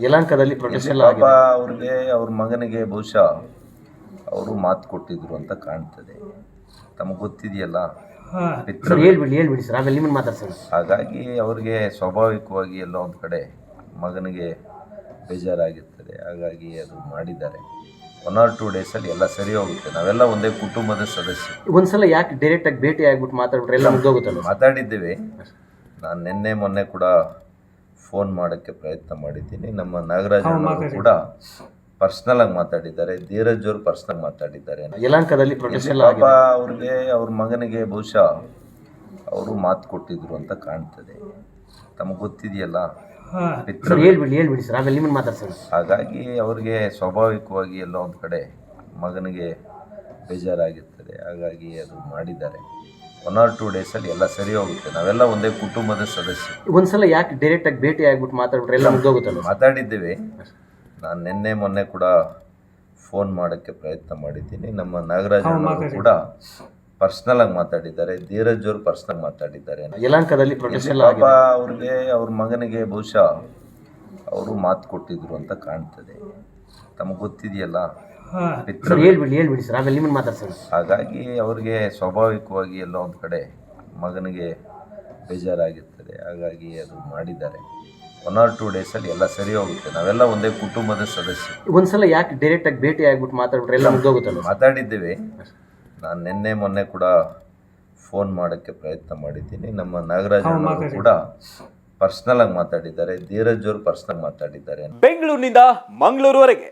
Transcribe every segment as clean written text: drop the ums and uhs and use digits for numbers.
ಯಲಹಂಕದಲ್ಲಿ protest ಎಲ್ಲ ಪಾಪ ಆಗಿದೆ. ಅವ್ರಿಗೆ ಅವ್ರ ಮಗನಿಗೆ ಬಹುಶಃ ಅವರು ಮಾತು ಕೊಟ್ಟಿದ್ರು ಅಂತ ಕಾಣ್ತದೆ. ತಮಗೆ ಗೊತ್ತಿದೆಯಲ್ಲ ಪಿತೃ. ಸರ್ ಹೇಳ್ಬಿಡಿ ಸರ್, ಆಮೇಲೆ ನಿಮ್ಮನ್ನು ಮಾತಾಡ್ಸೋಣ. ಹಾಗಾಗಿ ಅವ್ರಿಗೆ ಸ್ವಾಭಾವಿಕವಾಗಿ ಎಲ್ಲೋ ಒಂದು ಕಡೆ ಮಗನಿಗೆ ಬೇಜಾರಾಗಿರ್ತದೆ. ಹಾಗಾಗಿ ಅದು ಮಾಡಿದ್ದಾರೆ. 1 or 2 ಡೇಸಲ್ಲಿ ಎಲ್ಲ ಸರಿ ಹೋಗುತ್ತೆ. ನಾವೆಲ್ಲ ಒಂದೇ ಕುಟುಂಬದ ಸದಸ್ಯರು. ಒಂದ್ಸಲ ಯಾಕೆ ಡೈರೆಕ್ಟ್ ಆಗಿ ಭೇಟಿ ಆಗ್ಬಿಟ್ಟು ಮಾತಾಡ್ಬಿಟ್ರೆ ಎಲ್ಲ ಮುಗ್ದೋಗುತ್ತಲ್ಲ? ಮಾತಾಡಿದ್ದೇವೆ. ನಾನು ನಿನ್ನೆ ಮೊನ್ನೆ ಕೂಡ ಫೋನ್ ಮಾಡೋಕ್ಕೆ ಪ್ರಯತ್ನ ಮಾಡಿದ್ದೀನಿ. ನಮ್ಮ ನಾಗರಾಜ್ ಅವರು ಕೂಡ ಪರ್ಸ್ನಲ್ ಆಗಿ ಮಾತಾಡಿದ್ದಾರೆ. ಧೀರಜ್ ಅವರು ಪರ್ಸ್ನಲ್ ಮಾತಾಡಿದ್ದಾರೆ. ಯಲಹಂಕದಲ್ಲಿ ಪ್ರೊಟೆಸ್ಟ್ ಎಲ್ಲ ಪಾಪ ಆಗಿದೆ. ಅವ್ರಿಗೆ ಅವ್ರ ಮಗನಿಗೆ ಬಹುಶಃ ಅವರು ಮಾತು ಕೊಟ್ಟಿದ್ರು ಅಂತ ಕಾಣ್ತದೆ. ತಮಗೆ ಗೊತ್ತಿದೆಯಲ್ಲ ಪಿತೃ. ಸರ್ ಹೇಳ್ಬಿಡಿ ಸರ್, ಆಮೇಲೆ ನಿಮ್ಮನ್ನು ಮಾತಾಡ್ಸೋಣ. ಹಾಗಾಗಿ ಅವ್ರಿಗೆ ಸ್ವಾಭಾವಿಕವಾಗಿ ಎಲ್ಲೋ ಒಂದು ಕಡೆ ಮಗನಿಗೆ ಬೇಜಾರಾಗಿರ್ತದೆ. ಹಾಗಾಗಿ ಅದು ಮಾಡಿದ್ದಾರೆ. 1 or 2 ಡೇಸಲ್ಲಿ ಎಲ್ಲ ಸರಿ ಹೋಗುತ್ತೆ. ನಾವೆಲ್ಲ ಒಂದೇ ಕುಟುಂಬದ ಸದಸ್ಯರು. ಒಂದ್ಸಲ ಯಾಕೆ ಡೈರೆಕ್ಟ್ ಆಗಿ ಭೇಟಿ ಆಗ್ಬಿಟ್ಟು ಮಾತಾಡ್ಬಿಟ್ರೆ ಎಲ್ಲ ಮುಗ್ದೋಗುತ್ತಲ್ಲ? ಮಾತಾಡಿದ್ದೇವೆ. ನಾನು ನಿನ್ನೆ ಮೊನ್ನೆ ಕೂಡ ಫೋನ್ ಮಾಡೋಕ್ಕೆ ಪ್ರಯತ್ನ ಮಾಡಿದ್ದೀನಿ. ನಮ್ಮ ನಾಗರಾಜ್ ಅವರು ಕೂಡ ಪರ್ಸ್ನಲ್ ಆಗಿ ಮಾತಾಡಿದ್ದಾರೆ. ಧೀರಜ್ ಅವರು ಪರ್ಸ್ನಲ್ ಮಾತಾಡಿದ್ದಾರೆ. ಯಲಹಂಕದಲ್ಲಿ ಪ್ರೊಟೆಸ್ಟ್ ಎಲ್ಲ ಪಾಪ ಆಗಿದೆ. ಅವ್ರಿಗೆ ಅವ್ರ ಮಗನಿಗೆ ಬಹುಶಃ ಅವರು ಮಾತು ಕೊಟ್ಟಿದ್ರು ಅಂತ ಕಾಣ್ತದೆ. ತಮಗೆ ಗೊತ್ತಿದೆಯಲ್ಲ ಪಿತೃ. ಸರ್ ಹೇಳ್ಬಿಡಿ ಸರ್, ಆಮೇಲೆ ನಿಮ್ಮನ್ನು ಮಾತಾಡ್ಸೋಣ. ಹಾಗಾಗಿ ಅವ್ರಿಗೆ ಸ್ವಾಭಾವಿಕವಾಗಿ ಎಲ್ಲೋ ಒಂದು ಕಡೆ ಮಗನಿಗೆ ಬೇಜಾರಾಗಿರ್ತದೆ. ಹಾಗಾಗಿ ಅದು ಮಾಡಿದ್ದಾರೆ. 1 or 2 ಡೇಸಲ್ಲಿ ಎಲ್ಲ ಸರಿ ಹೋಗುತ್ತೆ. ನಾವೆಲ್ಲ ಒಂದೇ ಕುಟುಂಬದ ಸದಸ್ಯರು. ಒಂದ್ಸಲ ಯಾಕೆ ಡೈರೆಕ್ಟ್ ಆಗಿ ಭೇಟಿ ಆಗ್ಬಿಟ್ಟು ಮಾತಾಡ್ಬಿಟ್ರೆ ಎಲ್ಲ ಮುಗ್ದೋಗುತ್ತಲ್ಲ? ಮಾತಾಡಿದ್ದೇವೆ. ನಾನು ನಿನ್ನೆ ಮೊನ್ನೆ ಕೂಡ ಫೋನ್ ಮಾಡೋಕ್ಕೆ ಪ್ರಯತ್ನ ಮಾಡಿದ್ದೀನಿ. ನಮ್ಮ ನಾಗರಾಜ್ ಅವರು ಕೂಡ ಪರ್ಸ್ನಲ್ ಆಗಿ ಮಾತಾಡಿದ್ದಾರೆ. ಧೀರಜ್ ಅವರು ಪರ್ಸ್ನಲ್ ಮಾತಾಡಿದ್ದಾರೆ. ಬೆಂಗಳೂರಿನಿಂದ ಮಂಗಳೂರುವರೆಗೆ,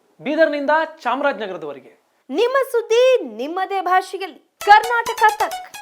ಬೀದರ್ನಿಂದ ಚಾಮರಾಜನಗರದವರೆಗೆ ನಿಮ್ಮ ಸುದ್ದಿ ನಿಮ್ಮದೇ ಭಾಷೆಯಲ್ಲಿ ಕರ್ನಾಟಕ ತಕ್.